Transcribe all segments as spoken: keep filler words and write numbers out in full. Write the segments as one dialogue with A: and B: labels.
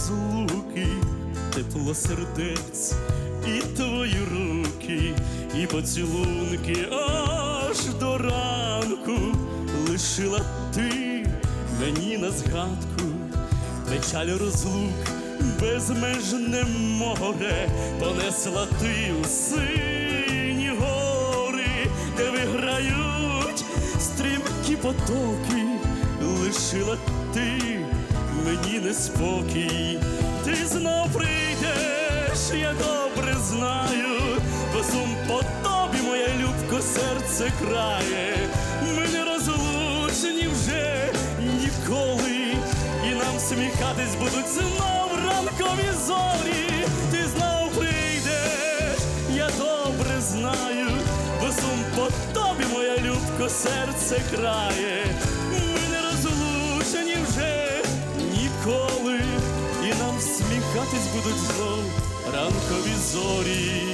A: розлуки, тепло сердець і твої руки, і поцілунки аж до ранку. Лишила ти мені на згадку печаль розлук, безмежне море. Понесла ти у сині гори, де виграють стрімкі потоки. Лишила ти мені неспокій. Ти знов прийдеш, я добре знаю, бо сум по тобі, моя любко, серце крає. Ми не розлучені вже ніколи, і нам сміхатись будуть знов ранкові зорі. Ти знов прийдеш, я добре знаю, бо сум по тобі, моя любко, серце крає. Ми не розлучені вже ніколи, і нам сміхатись будуть знов ранкові зорі.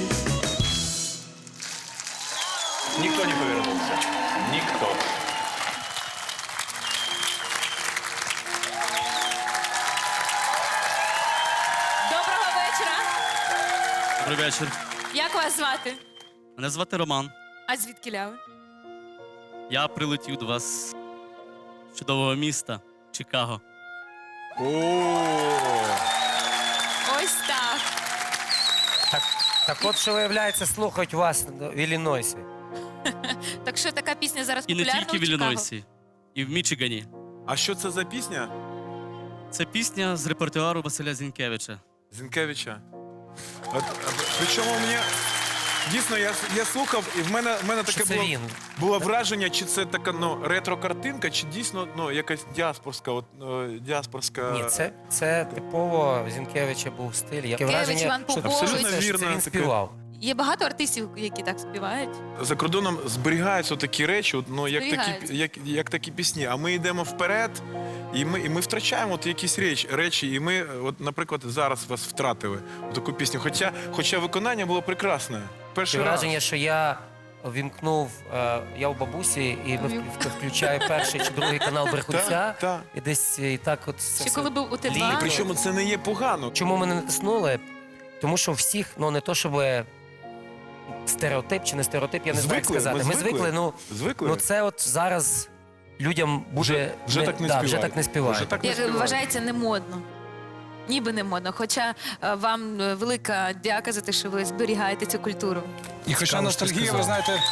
B: Никто не повернулся. Никто.
C: Доброго вечора.
A: Добрий вечір.
C: Як вас звати?
A: Мене звати Роман.
C: А звідки ляви?
A: Я прилетів до вас з чудового міста Чикаго.
C: Ось так.
D: Так, так от, що виявляється, слухають вас в Іллінойсі.
C: Так що така пісня зараз
A: І не
C: популярна
A: тільки в
C: Чикаго?
A: Іллінойсі, і в Мічигані.
E: А що це за пісня?
A: Це пісня з репертуару Василя Зінкевича.
E: Зінкевича. От, а, причому мені дійсно я, я слухав, і в мене, в мене
D: Що
E: таке
D: це
E: було,
D: він?
E: було враження, чи це така ну, ретро-картинка, чи дійсно ну, якась діаспорська. От, о, діаспорська...
D: Ні, це, це типово Зінкевича був стиль. Я
C: Зінкевич,
D: враження,
C: Іван
D: що
C: Попович.
E: Абсолютно
D: це, що
E: вірно,
D: це він
E: таке.
D: співав.
C: Є багато артистів, які так співають.
E: За кордоном зберігаються такі речі, от, ну, як, такі,
C: Зберігаються.
E: як, як такі пісні. А ми йдемо вперед, і ми, і ми втрачаємо от якісь речі, речі. І ми, от, наприклад, зараз вас втратили таку пісню. Хоча, хоча виконання було прекрасне.
D: Таке
E: Перший раз.
D: враження, що я вімкнув, е, я у бабусі, і ми вк- включаю перший чи другий канал Брехунця,
E: Так, так.
D: і десь і так от це
C: Ще
D: все.
C: коли був у Т
D: Літо.
C: два.
E: Причому це не є погано.
D: Чому ми не натиснули? Тому що всіх, ну не то, щоб стереотип чи не стереотип, я не знаю, як
E: Звикли,
D: сказати.
E: ми
D: Ми
E: звикли.
D: звикли, ну,
E: Звикли?
D: ну це от зараз людям буде...
E: Вже- вже так не
D: да, вже
E: співають.
D: так не співають.
E: Вже так не
C: Як
E: співають.
C: вважається, не модно. Ніби не модно. Хоча е, вам е, велика дяка за те, що ви зберігаєте цю культуру.
F: І хоча
D: Цікаво, що
F: ностальгія, ви
D: сказав.
F: знаєте,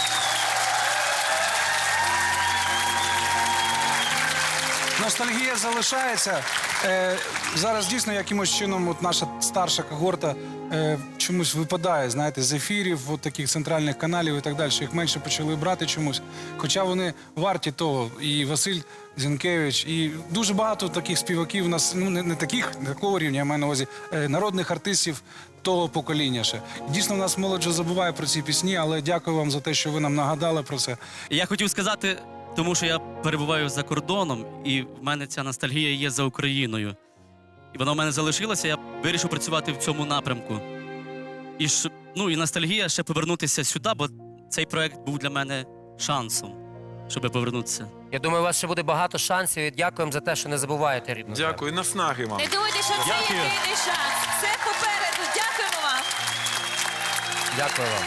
F: ностальгія залишається. Е, зараз дійсно якимось чином от наша старша когорта е, чомусь випадає, знаєте, з ефірів, от таких центральних каналів і так далі. Їх менше почали брати чомусь. Хоча вони варті того. І Василь Зінкевич, і дуже багато таких співаків у нас, ну не, не таких, не такого рівня, я маю на увазі, е, народних артистів того покоління ще. Дійсно, у нас молодь вже забуває про ці пісні, але дякую вам за те, що ви нам нагадали про це.
A: І я хотів сказати, тому що я перебуваю за кордоном, і в мене ця ностальгія є за Україною. І вона в мене залишилася, я вирішив працювати в цьому напрямку. І, ж, ну, і ностальгія ще повернутися сюди, бо цей проект був для мене шансом, щоб повернутися.
D: Я думаю, у вас ще буде багато шансів, і дякуємо за те, що не забуваєте рідну землю.
E: Дякую, наснаги вам.
C: Не думайте, що це
A: Дякую.
C: єдиний шанс. Все попереду. Дякуємо вам.
D: Дякую вам.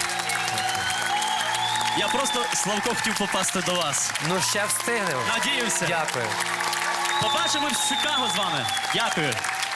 A: Я просто, Славко, хотів попасти до вас.
D: Ну, ще встигнемо.
A: Надіюся.
D: Дякую.
A: Побачимо в Чикаго з вами. Дякую.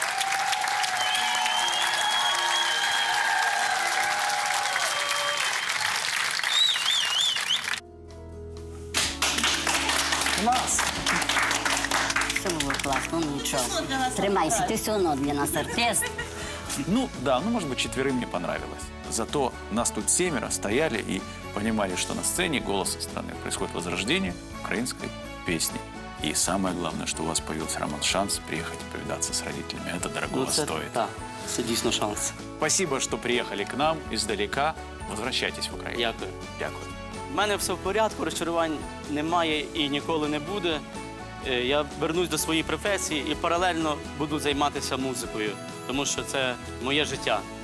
F: Клас!
G: Все було класно, ну нічого. Тримайся, ти все одно для нас артист.
B: Ну, да, ну, может быть, четверым мне понравилось. Зато нас тут семеро стояли и понимали, что на сцене «Голоса страны» происходит возрождение украинской песни. И самое главное, что у вас появился, Роман, шанс приехать и повидаться с родителями. Это дорого
H: це,
B: стоит.
H: Так, це дійсно шанс.
B: Спасибо, что приехали к нам издалека. Возвращайтесь в Украину.
H: Дякую.
B: Дякую.
H: У мене все в порядку, розчарувань немає і ніколи не буде. Е, Я вернусь до своєї професії і паралельно буду займатися музикою, тому що це моє життя.